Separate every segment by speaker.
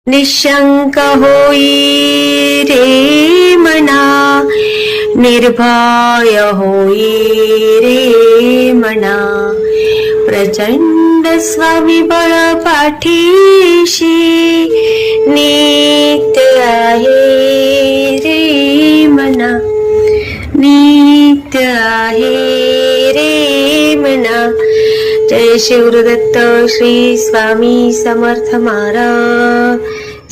Speaker 1: निशंक होई रे मना, निर्भय होई रे मना, प्रचंड स्वविबळ पाठीशी नित्य आहे रे मना, नित्य आहे रे मना. जय शिवदत्त श्री स्वामी समर्थ महाराज.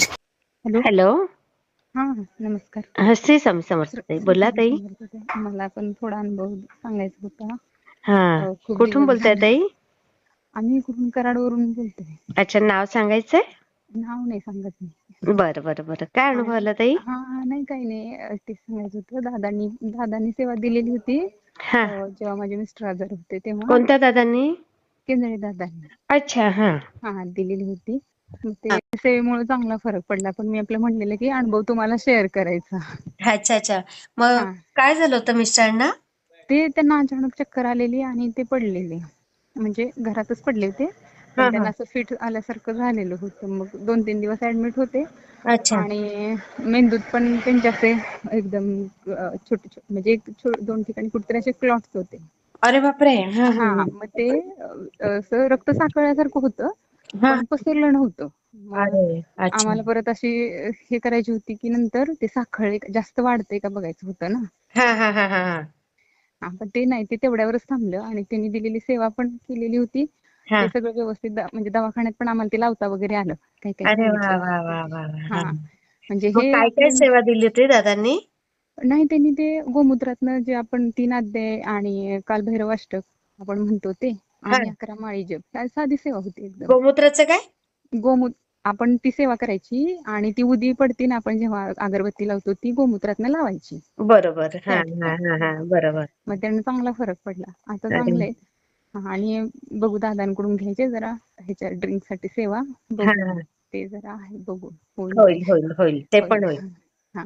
Speaker 1: हॅलो.
Speaker 2: हा नमस्कार.
Speaker 1: श्री स्वामी समर्थ ताई. बोला ताई.
Speaker 2: मला पण थोडा अनुभव सांगायचा होता.
Speaker 1: हा,
Speaker 2: खूप
Speaker 1: कुठून
Speaker 2: दिवस
Speaker 1: बोलताय
Speaker 2: झाले.
Speaker 1: ताई?
Speaker 2: आम्ही कुठून कराडवरून बोलतोय.
Speaker 1: अच्छा, नाव सांगायचंय?
Speaker 2: नाव नाही सांगत मी.
Speaker 1: बरं बरं बरं. काय अनुभव आला ताई?
Speaker 2: हा नाही काही नाही, ते सांगायचं होतं. दादांनी सेवा दिलेली होती
Speaker 1: हा.
Speaker 2: जेव्हा माझे मिस्टर आजार होते तेव्हा.
Speaker 1: कोणत्या दादांनी?
Speaker 2: केंद्रे दादांनी.
Speaker 1: अच्छा. हा
Speaker 2: हा दिलेली होती. मग ते सेवेमुळे चांगला फरक पडला. पण मी आपलं म्हणलेलं की अनुभव तुम्हाला शेअर करायचा.
Speaker 1: अच्छा अच्छा. मग काय झालं होतं मिस्टरांना?
Speaker 2: ते त्यांना अचानक चक्कर आलेली आणि ते पडलेले, म्हणजे घरातच पडले होते. पण त्यांना असं फिट आल्यासारखं झालेलं होतं. मग 2-3 दिवस ऍडमिट होते.
Speaker 1: अच्छा.
Speaker 2: आणि मेंदूत पण त्यांच्या असे एकदम छोटे छोटे, म्हणजे 2 ठिकाणी कुठेतरी असे क्लॉट्स होते.
Speaker 1: अरे बापरे.
Speaker 2: हा मग ते असं रक्त साकळल्यासारखं होतं, पण पसरलं नव्हतं. मग
Speaker 1: अरे अच्छा.
Speaker 2: आम्हाला परत अशी हे करायची होती की नंतर ते साखळे जास्त वाढतंय का बघायचं होतं ना.
Speaker 1: हा हा हा हा.
Speaker 2: पण ते नाही, ते तेवढ्यावरच थांबलं. आणि त्यांनी दिलेली सेवा पण केलेली होती. ते सगळं व्यवस्थित, म्हणजे दवाखान्यात पण आम्हाला ते लावता वगैरे आलं. काही काही
Speaker 1: अरे वा
Speaker 2: सांगितलं.
Speaker 1: वा वा वा.
Speaker 2: हा म्हणजे
Speaker 1: मग
Speaker 2: हे
Speaker 1: काय काय
Speaker 2: आपलं
Speaker 1: सेवा दिली होती दादांनी?
Speaker 2: नाही, त्यांनी ते गोमूत्रातनं जे आपण 3 अध्याय आणि कालभैरव अष्टक आपण म्हणतो ते, आणि 11 माळी जप, साधी सेवा होती एकदम.
Speaker 1: गोमूत्राचं काय?
Speaker 2: गोमूत्र आपण ती सेवा करायची आणि ती उदी पडते ना, आपण जेव्हा अगरबत्ती लावतो ती गोमूत्रातनं लावायची.
Speaker 1: बरोबर. हा
Speaker 2: त्या
Speaker 1: हा
Speaker 2: ठिकाणी.
Speaker 1: हा हा. बरोबर.
Speaker 2: मग त्यांना चांगला फरक पडला. आता
Speaker 1: अरे
Speaker 2: चांगले. आणि बघू, दादांकडून घ्यायचे जरा ह्याच्या ड्रिंक साठी सेवा.
Speaker 1: हा.
Speaker 2: बघू ते जरा आहे, बघू होईल ते.
Speaker 1: होईल होईल होईल. ते पण होईल.
Speaker 2: हा.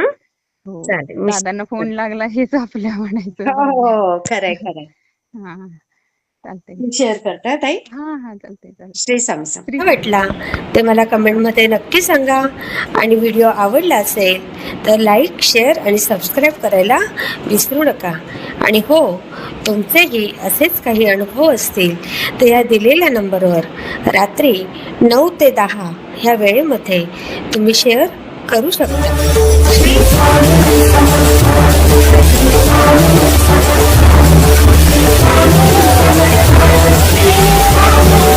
Speaker 2: हो,
Speaker 1: चालेल.
Speaker 2: दादांना फोन लागला हेच आपल्या म्हणायचं.
Speaker 1: हो
Speaker 2: बघूया.
Speaker 1: हो. खरंय खरंय.
Speaker 2: हा चालतंय.
Speaker 1: शेअर करता ताई.
Speaker 2: हा चालतंय
Speaker 1: श्री स्वामी समर्थ. भेटला ते मला कमेंटमध्ये नक्की सांगा. आणि व्हिडिओ आवडला असेल तर लाईक, शेअर आणि सबस्क्राईब करायला विसरू नका. आणि हो, तुमचेही असेच काही अनुभव असतील तर या दिलेल्या नंबरवर रात्री 9 ते 10 ह्या वेळेमध्ये तुम्ही शेअर करू शकता. श्री स्वामी समर्थ.